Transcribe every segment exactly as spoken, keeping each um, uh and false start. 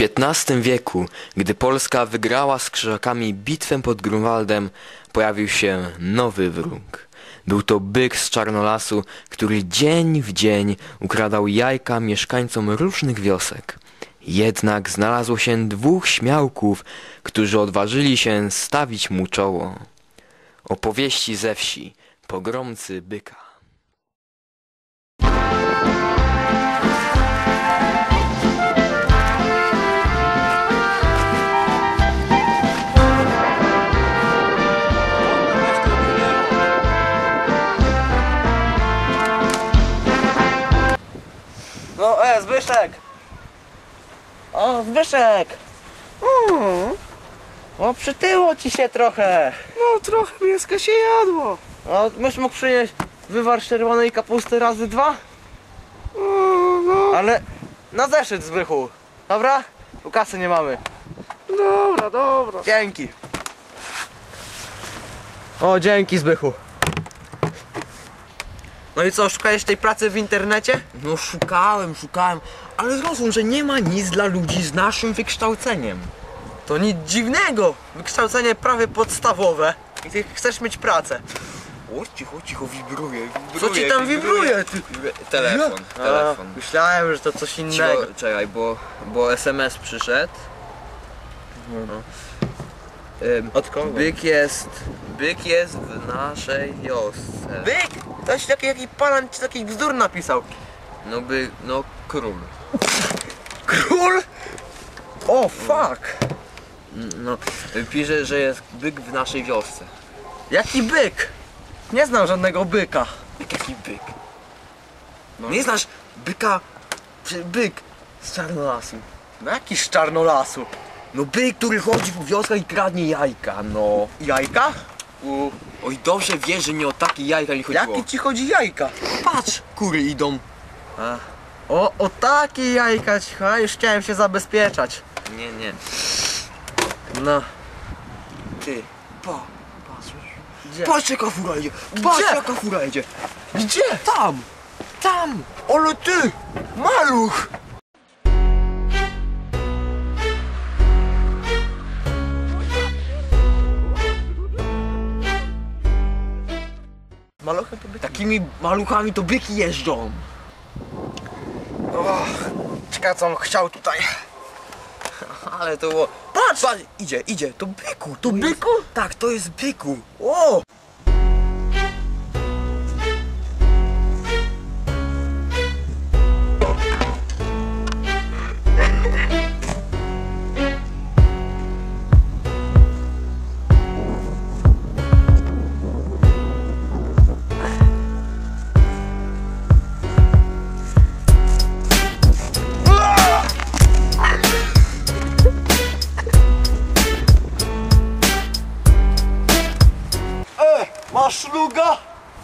piętnastym wieku, gdy Polska wygrała z Krzyżakami bitwę pod Grunwaldem, pojawił się nowy wróg. Był to byk z Czarnolasu, który dzień w dzień ukradał jajka mieszkańcom różnych wiosek. Jednak znalazło się dwóch śmiałków, którzy odważyli się stawić mu czoło. Opowieści ze wsi, pogromcy byka. No, e, Zbyszek! O, Zbyszek! Mm. O, przytyło ci się trochę! No trochę mięska się jadło. O, myś mógł przynieść wywar czerwonej kapusty razy dwa? O, no, Ale na zeszyt, Zbychu! Dobra? Tu kasy nie mamy. dobra, dobra. Dzięki! O, dzięki, Zbychu! No i co, szukałeś tej pracy w internecie? No szukałem, szukałem, ale zrozum, że nie ma nic dla ludzi z naszym wykształceniem. To nic dziwnego! Wykształcenie prawie podstawowe. I ty chcesz mieć pracę. O, cicho, cicho, wibruje, wibruje. Co ci tam wibruje? Ty? Telefon, A, telefon. myślałem, że to coś Cicho, innego. czekaj, bo, bo es em es przyszedł. No. Ym, Od kogo? Byk jest, byk jest w naszej wiosce. Byk! Ktoś taki, jaki pan ci taki bzdur napisał. No by, no król. Król? O, fuck! No, pisze, że jest byk w naszej wiosce. Jaki byk? Nie znam żadnego byka. Jaki byk? No. Nie znasz byka, czy byk z Czarnolasu? No jaki z Czarnolasu? No byk, który chodzi po wioskach i kradnie jajka, no. Jajka? U, oj, dobrze wiesz, że nie o takie jajka mi chodziło. Jakie ci chodzi jajka? Patrz, kury idą. A. O, o takie jajka ci chodzi? Już chciałem się zabezpieczać. Nie, nie. No. Ty, pa, patrz. Gdzie? Patrz jaka fura idzie, patrz Gdzie? jaka fura idzie. Gdzie? Tam, tam. Ale ty! Maluch! Maluchem to byk. Takimi maluchami to byki jeżdżą. Och, ciekawe co on chciał tutaj. Ale to było... Patrz! Patrz, idzie, idzie, to byku, to byku? Jest... Tak, to jest byku. O! Masz szluga?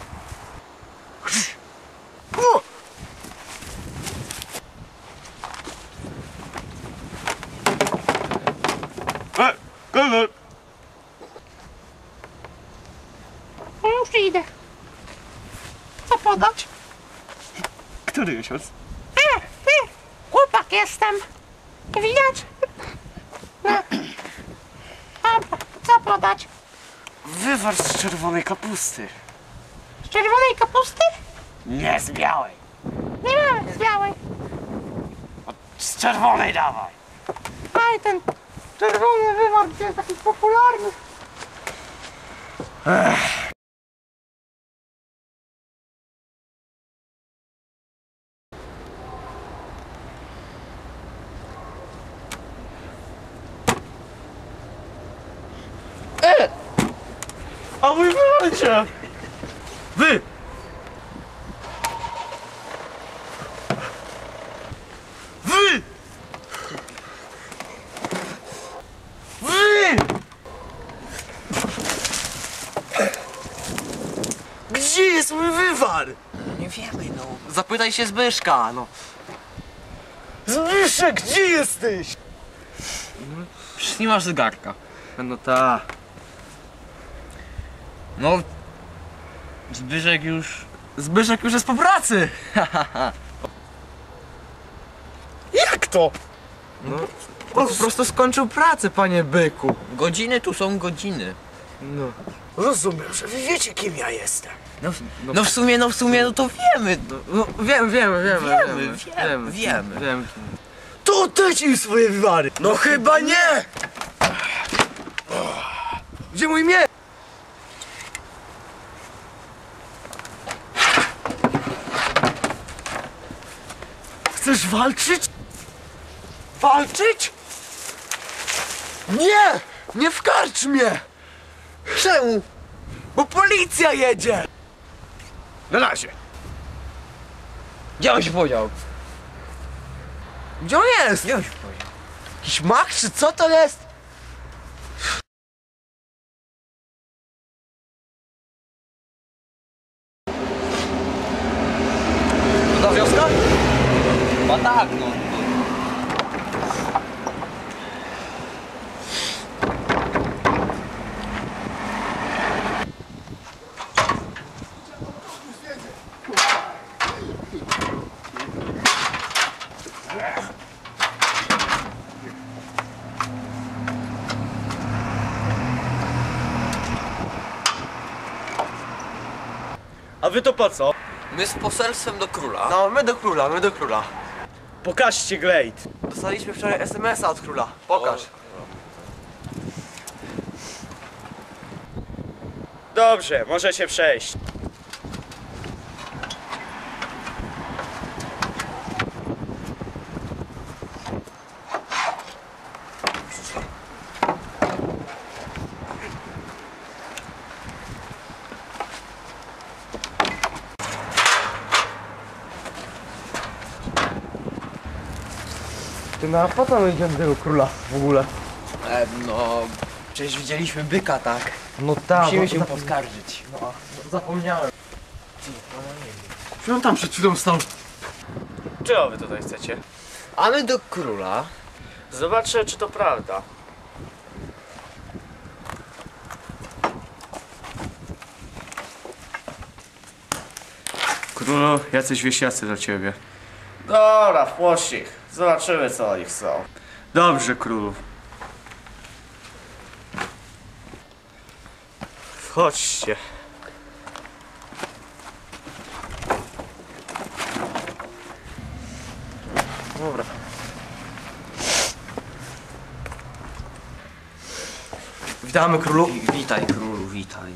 E, kelner. No już idę. Co podać? Który miesiąc? E, ty, chłopak jestem. Nie widać? No. Dobra, co podać? Wywar z czerwonej kapusty. Z czerwonej kapusty? Nie z białej. Nie mamy z białej. Z czerwonej dawaj. Aj, ten czerwony wywar gdzie jest taki popularny. A wy wywalcie! Wy! Wy! Wy! Gdzie jest mój wywar? Nie wiemy, no. Zapytaj się Zbyszka, no. Zbyszek, gdzie jesteś? Przecież nie masz zegarka. No ta. No... Zbyszek już... Zbyszek już jest po pracy! Jak to? No, On po prostu skończył pracę, panie byku. Godziny tu są godziny. No. Rozumiem, że wy wiecie, kim ja jestem. No, no w sumie, no w sumie, no to wiemy. No, wiem, wiemy, wiemy, Wiemy, wiemy, wiemy. wiemy. To oddajcie mi swoje wywary. No chyba nie! Gdzie mój miecz? Chcesz walczyć? Walczyć? Nie! Nie w karczmie! Czemu? Bo policja jedzie! Na razie. Gdzie on się podział? Gdzie on jest? Gdzie on się podział? Jakiś mach czy co to jest? To ta wioska? Chyba tak, no. A wy to po co? My z poselstwem do króla. No, my do króla, my do króla. Pokażcie glejt. Dostaliśmy wczoraj es em es a od króla. Pokaż. Dobrze, możecie przejść. Ty, no a po co my idziemy do tego króla w ogóle? E, no, przecież widzieliśmy byka, tak? No tak. Musimy no, się za- poskarżyć. No, zapomniałem. Czy on tam przed chwilą stał? Czego wy tutaj chcecie? A my do króla. Zobaczę, czy to prawda. Królu, jacyś wieśniacy do ciebie. Dobra, wpuść ich. Zobaczymy, co oni chcą. Dobrze, królu. Wchodźcie. Dobra. Witamy królu. Witaj królu, witaj.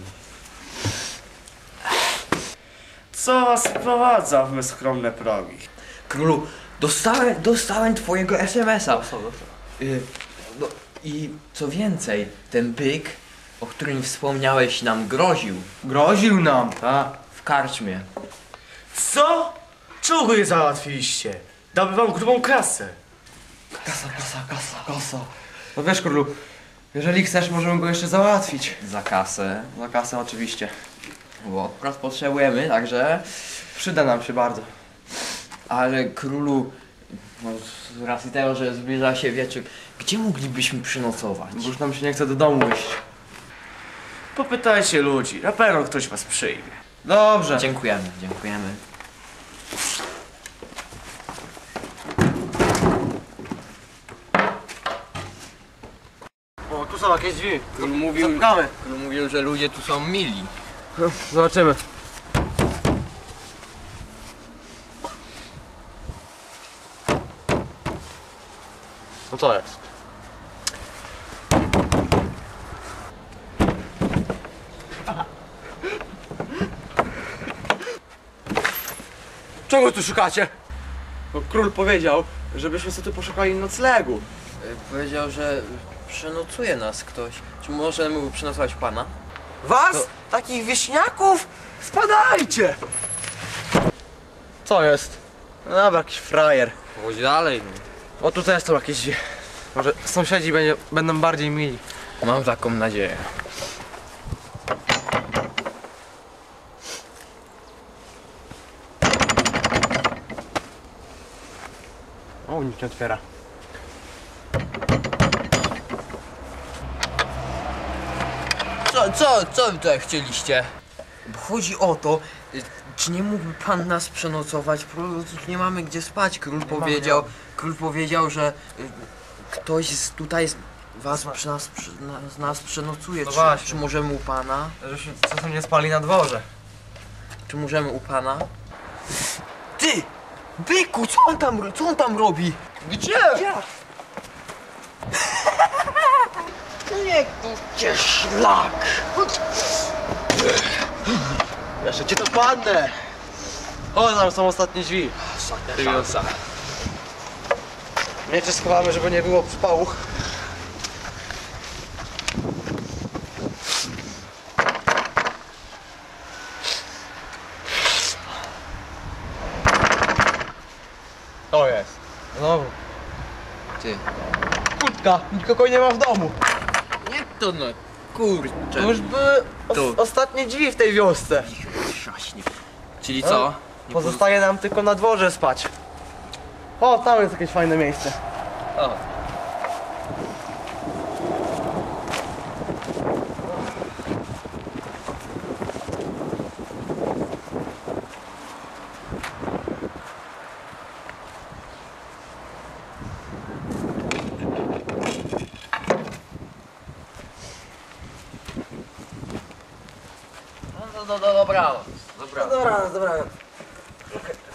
Co was sprowadza w me skromne progi? Królu, dostałem, dostałem twojego es em es a. Y, no, I co więcej, ten byk, o którym wspomniałeś, nam groził. Groził nam, tak? W karczmie. Co? Czego je załatwiliście? Dałby wam grubą kasę. Kasa, kasa, kasa, kasa. No wiesz królu, jeżeli chcesz, możemy go jeszcze załatwić. Za kasę. Za kasę oczywiście. Bo akurat potrzebujemy, także... Przyda nam się bardzo. Ale królu, no, z racji tego, że zbliża się wieczór, gdzie moglibyśmy przynocować? Bo już nam się nie chce do domu iść. Popytajcie ludzi, na pewno ktoś was przyjmie. Dobrze. Dziękujemy, dziękujemy. O, tu są jakieś drzwi. Król mówił, Zapukamy. król mówił, że ludzie tu są mili. Zobaczymy. No to jest. Czego tu szukacie? Bo król powiedział, żebyśmy sobie tu poszukali noclegu. Y, Powiedział, że przenocuje nas ktoś. Czy możemy mu przenocować pana? Was? To- Takich wieśniaków? Spadajcie! Co jest? No dobra, jakiś frajer. Chodź dalej. O, tutaj są jakieś drzwi. Może sąsiedzi będzie, będą bardziej mili. Mam taką nadzieję. O, nikt nie otwiera. Co, co, co wy tutaj chcieliście? Bo chodzi o to, y, czy nie mógłby pan nas przenocować? Po prostu nie mamy gdzie spać. Król powiedział, król powiedział, że y, ktoś z, tutaj z was przy nas, przy, na, z nas przenocuje. No czy, właśnie. czy możemy u pana? Żebyśmy czasem nie spali na dworze. Czy możemy u pana? Ty! Byku, co on tam, co on tam robi? Gdzie? Nie, gdzie szlak! Jeszcze cię to padnę! O, tam są ostatnie drzwi. Ostatnia szansa. Miecze schowamy, żeby nie było przypału. To jest. Znowu. Ty. Kurtka, nikogo nie ma w domu. Nie to no, kurczę. To już były os Tu. ostatnie drzwi w tej wiosce. Szaśnie. Czyli co? Nie Pozostaje nam tylko na dworze spać. O, tam jest jakieś fajne miejsce. O. No, no, no, dobranoc. Dobranoc. Dobra, dobra.